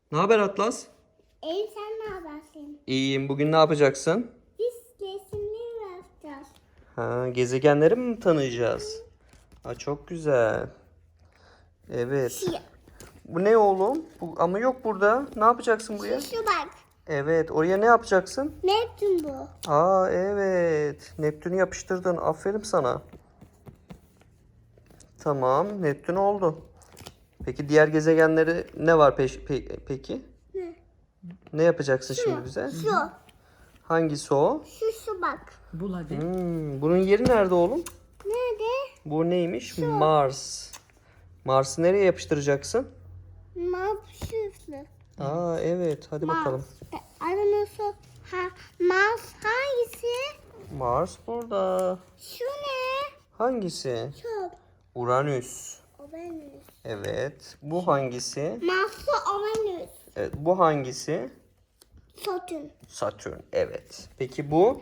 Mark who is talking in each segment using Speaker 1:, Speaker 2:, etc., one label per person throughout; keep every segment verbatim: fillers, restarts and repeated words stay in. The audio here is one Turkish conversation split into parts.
Speaker 1: Ne haber Atlas?
Speaker 2: İyi, sen ne yaparsın?
Speaker 1: İyiyim. Bugün ne yapacaksın?
Speaker 2: Biz resimleri yapacağız.
Speaker 1: Ha, gezegenleri mi tanıyacağız? Ha, çok güzel. Evet.
Speaker 2: Şu,
Speaker 1: Bu ne oğlum? Bu, ama yok burada. Ne yapacaksın buraya?
Speaker 2: şu, şu bak.
Speaker 1: Evet. Oraya ne yapacaksın?
Speaker 2: Neptün bu.
Speaker 1: Aa evet. Neptün'ü yapıştırdın. Aferin sana. Tamam. Neptün oldu. Peki diğer gezegenleri ne var peş, pe- peki?
Speaker 2: Ne?
Speaker 1: Ne yapacaksın şimdi bize?
Speaker 2: Şu.
Speaker 1: Hangisi o?
Speaker 2: Şu şu bak.
Speaker 3: Bul hadi.
Speaker 1: Hmm, bunun yeri nerede oğlum?
Speaker 2: Nerede?
Speaker 1: Bu neymiş? Mars. Mars'ı nereye yapıştıracaksın?
Speaker 2: Map şurası.
Speaker 1: Aa evet. Hadi bakalım.
Speaker 2: Aranası ha, Mars hangisi?
Speaker 1: Mars burada.
Speaker 2: Şu ne?
Speaker 1: Hangisi?
Speaker 2: Şu.
Speaker 1: Uranüs.
Speaker 2: Uranüs.
Speaker 1: Evet. Bu hangisi?
Speaker 2: Mars'ı Uranüs.
Speaker 1: Evet. Bu hangisi?
Speaker 2: Satürn.
Speaker 1: Satürn. Evet. Peki bu?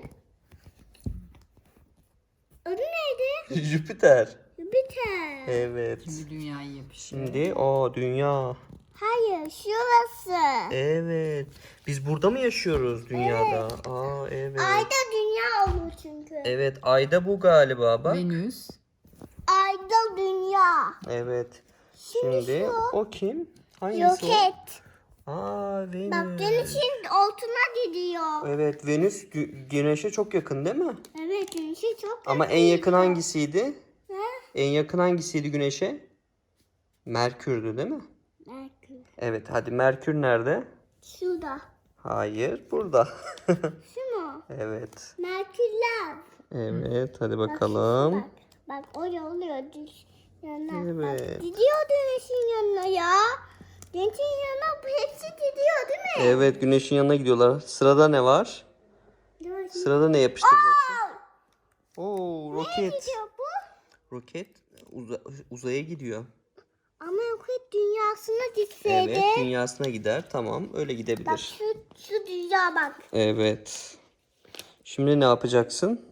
Speaker 2: Adı neydi?
Speaker 1: Jüpiter.
Speaker 2: Jüpiter.
Speaker 1: Evet.
Speaker 3: Şimdi dünyayı yapıştır.
Speaker 1: Şimdi o dünya.
Speaker 2: Hayır, şurası.
Speaker 1: Evet. Biz burada mı yaşıyoruz dünyada? Aa evet.
Speaker 2: Ayda dünya olur çünkü.
Speaker 1: Evet. Ayda bu galiba bak.
Speaker 3: Venüs.
Speaker 2: Ayda dünya.
Speaker 1: Evet.
Speaker 2: Şimdi
Speaker 1: Şimdi
Speaker 2: şu.
Speaker 1: o kim? Hangisi o?
Speaker 2: Roket.
Speaker 1: Aa
Speaker 2: Bak
Speaker 1: Venüs.
Speaker 2: güneşin altına gidiyor.
Speaker 1: Evet Venüs gü- güneşe çok yakın değil mi?
Speaker 2: Evet, güneşi çok
Speaker 1: Ama en yakın hangisiydi? En yakın hangisiydi güneşe? Merkür'dü değil mi?
Speaker 2: Merkür.
Speaker 1: Evet hadi Merkür nerede?
Speaker 2: Şurada.
Speaker 1: Hayır burada.
Speaker 2: Şu mu?
Speaker 1: Evet.
Speaker 2: Merkürler.
Speaker 1: Evet hadi
Speaker 2: Bak,
Speaker 1: bakalım.
Speaker 2: Bak, bak oraya oluyor düş yanına. Bak,
Speaker 1: Evet.
Speaker 2: gidiyor güneşin yanına ya. Güneşin yanına bu hepsi gidiyor değil mi?
Speaker 1: Evet güneşin yanına gidiyorlar. Sırada ne var?
Speaker 2: Evet.
Speaker 1: Sırada ne yapıştıracaksın? Oo roket.
Speaker 2: Gidiyor bu.
Speaker 1: Roket uza- uzaya gidiyor.
Speaker 2: Ama roket dünyasına gitseydi.
Speaker 1: Evet dünyasına gider. Tamam öyle
Speaker 2: Bak
Speaker 1: gidebilir.
Speaker 2: şu, şu dünya bak.
Speaker 1: Evet. Şimdi ne yapacaksın?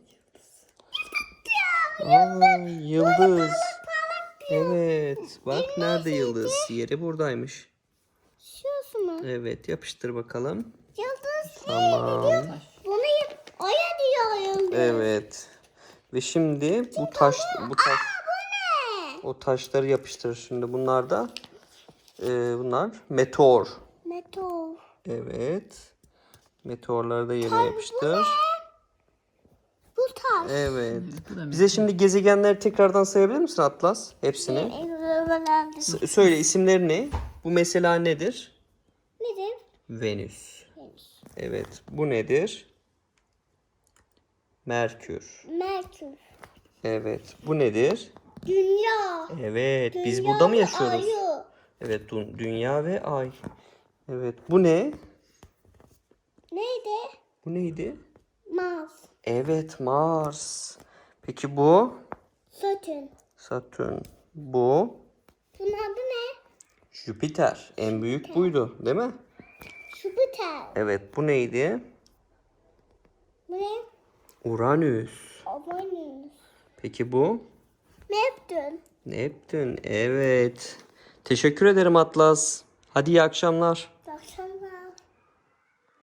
Speaker 1: Aa, yıldız. Evet. Bak nerede yıldız? Yeri buradaymış.
Speaker 2: Şurası mı?
Speaker 1: Evet yapıştır bakalım.
Speaker 2: Yıldız
Speaker 1: Tamam.
Speaker 2: bunu yap. Oya diyor yıldız.
Speaker 1: Evet. Ve şimdi bu taş bu taş
Speaker 2: Ne?
Speaker 1: o taşları yapıştır şimdi. Bunlar da e, bunlar meteor.
Speaker 2: Meteor.
Speaker 1: Evet. Meteorları da yerine yapıştır.
Speaker 2: Bu taş.
Speaker 1: Evet.
Speaker 3: Bu da
Speaker 1: Bize şimdi gezegenleri tekrardan sayabilir misin Atlas? Hepsini. S- söyle isimleri ne? Bu mesela nedir?
Speaker 2: Nedir?
Speaker 1: Venüs. Evet. Bu nedir? Merkür.
Speaker 2: Merkür.
Speaker 1: Evet. Bu nedir?
Speaker 2: Dünya.
Speaker 1: Evet. Biz
Speaker 2: Dünya
Speaker 1: burada mı
Speaker 2: ve
Speaker 1: yaşıyoruz?
Speaker 2: ayı.
Speaker 1: Evet. dü- Dünya ve ay. Evet. Bu ne?
Speaker 2: Neydi?
Speaker 1: Bu neydi?
Speaker 2: Mars.
Speaker 1: Evet. Mars. Peki bu?
Speaker 2: Satürn.
Speaker 1: Satürn. Bu?
Speaker 2: Bunun adı ne?
Speaker 1: Jüpiter. En büyük buydu, değil mi?
Speaker 2: Jüpiter.
Speaker 1: Evet. Bu neydi?
Speaker 2: Bu ne?
Speaker 1: Uranüs.
Speaker 2: Uranüs.
Speaker 1: Peki bu?
Speaker 2: Neptün.
Speaker 1: Neptün. Evet. Teşekkür ederim Atlas. Hadi iyi akşamlar.
Speaker 2: Akşam